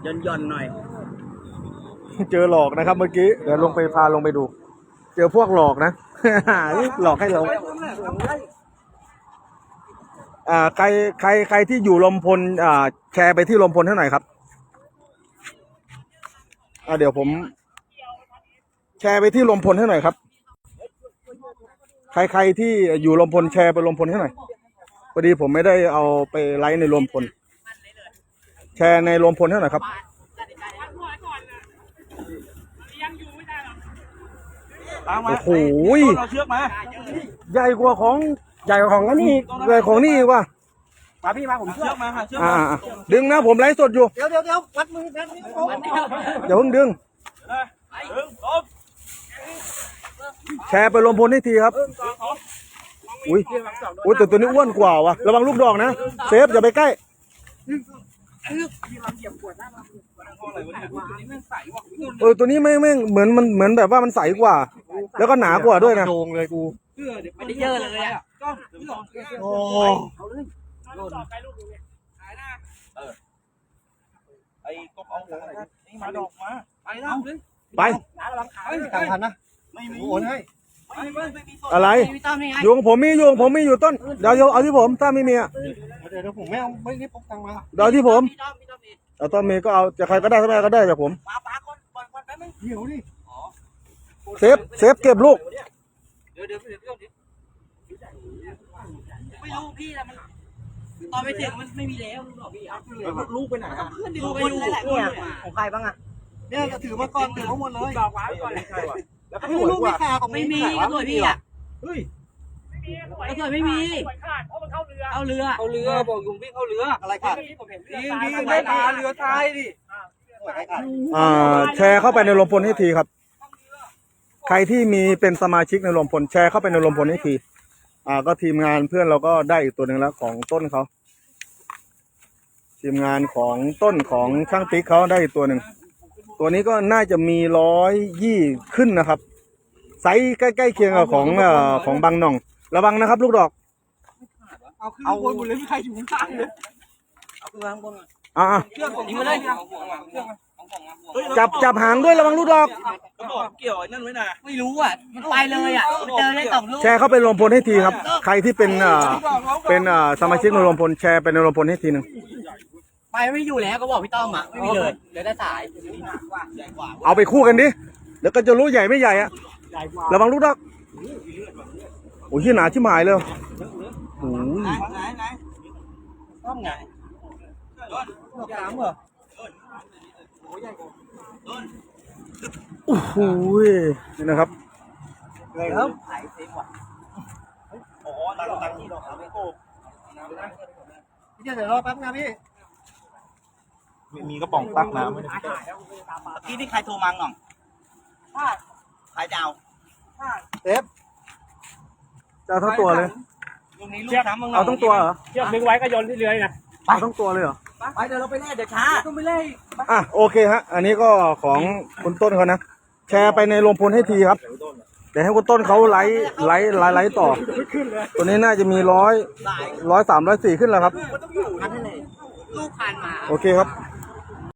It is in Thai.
ย่อนหน่อยเจอหลอกนะครับเมื่อกี้เดี๋ยวลงไปพาลงไปดู เจอพวกหลอกนะ หลอกให้เราใครที่อยู่ลมพลแชร์ไปที่ลมพลเท่าไหร่ครับเดี๋ยวผมแชร์ไปที่ลมพลให้หน่อยครับใครที่อยู่ลมพลแชร์ไปลมพลให้หน่อยพอดีผมไม่ได้เอาไปไลฟ์ในลมพลแชร์ในลมพลให้หน่อยครับโอ้โหเราเชือกมาใหญ่กว่าของนี่ใหญ่ของนี่ว่ะมาพี่มาผมเชือกมาค่ะเชือกดึงนะผมไลฟ์สดอยู่เดี๋ยววัดมืออย่าเพิ่งดึงแชร์ไปลมพลให้ทีครับอุ้ยแต่ตัวนี้อ้วนกว่าว่ะระวังลูกดอกนะเซฟอย่าไปใกล้ตัวนี้ไม่เหมือนแบบว่ามันใสกว่าแล้วก็หนากว่าด้วยนะโดงเลยกูไม่ได้เยอะเลยอ่ะโอ้ไอ้กบเอาหัวนี่มาดอกมาไปแล้วไปต่างพันนะไม่มีโอนให้อะไรอยู่ของผมมีอยู่ต้นเดี๋ยวเอาที่ผมถ้าไม่มีอ่ะเดี๋ยวผมไม่เอาไม่ได้พกตังมาเดี๋ยวที่ผมเอาต้นมีก็เอาจะใครก็ได้ถ้าไม่ก็ได้จากผมเดี๋ยวดิเซฟเก็บลูกเดี๋ยวไม่รู้พี่แต่มันตอนไปถึงมันไม่มีแล้วลูกไปไหนครับเพื่อนลูกไปดูเนี่ยของใครบ้างอ่ะเนี่ยจะถือมาก่อนถือทั้งหมดเลยดอกไม้ก่อนใครวะแล้วก็ลูกไม่ขาดไม่มีก็สวยพี่อ่ะเฮ้ยก็สวยไม่มีเพราะมันเข้าเรือบอกยุงพี่เข้าเรืออะไรขาดยิงไม่มาเรือตายดิแชร์เข้าไปในลมพลให้ทีครับใครที่มีเป็นสมาชิกในลมพลแชร์เข้าไปในลมพลให้ทีก็ทีมงานเพื่อนเราก็ได้อีกตัวหนึ่งแล้วของต้นเขาทีมงานของต้นของช่างติ๊กเขาได้อีกตัวหนึ่งตัวนี้ก็น่าจะมี120ขึ้นนะครับไซส์ใกล้ๆเคียงกับของบางหน่องระวังนะครับลูกดอกเอาบนเลยไม่ใครอยู่ข้างเลยเอาขึ้นมาข้างบนเชือกผมยิงมาเลยจับหางด้วยระวังลูกดอกเกี่ยวนั่นไว้นะไม่รู้อ่ะมันไปเลยอ่ะเจอได้2 ลูกแชร์เข้าไปลมพลให้ทีครับใครที่เป็นสมาชิกในลมพลแชร์ไปในลมพลให้ทีนึงไปไม่อยู่แล้วก็บอกพี่ต้อมอ่ะไม่มีเลยเดี๋ยวได้สายเอาไปคู่กันดิแล้วก็จะรู้ใหญ่ไม่ใหญ่อะระวังลูกดอกโอ้ยหนาชิบหายเลยโอ้ยไหนต้อมไง3เหรอโอ้โหนี่นะครับเลยครับไข่เต็มว่ะโอ้โหตังที่ดอกไม่โกพี่เดี๋ยวรอแป๊บนะพี่มีกระป๋องตักน้ำพี่ที่ใครโทรมาหน่องใครจะเอาเอฟจะเอาทั้งตัวเลยเอาทั้งตัวเหรอเชือกดึงไว้ก็โยนที่เรือนะเอาทั้งตัวเลยเหรอไปเดี๋ยวเราไปแล่เดี๋ยวช้าต้องไปแล่โอเคฮะอันนี้ก็ของคุณต้นเขานะแชร์ไปในลมพลให้ทีครับเดี๋ยวให้คุณต้นเขาไลฟ์ต่อตัวนี้น่าจะมี100 103 104ขึ้นแล้วครับลูกผ่านมาโอเคครับ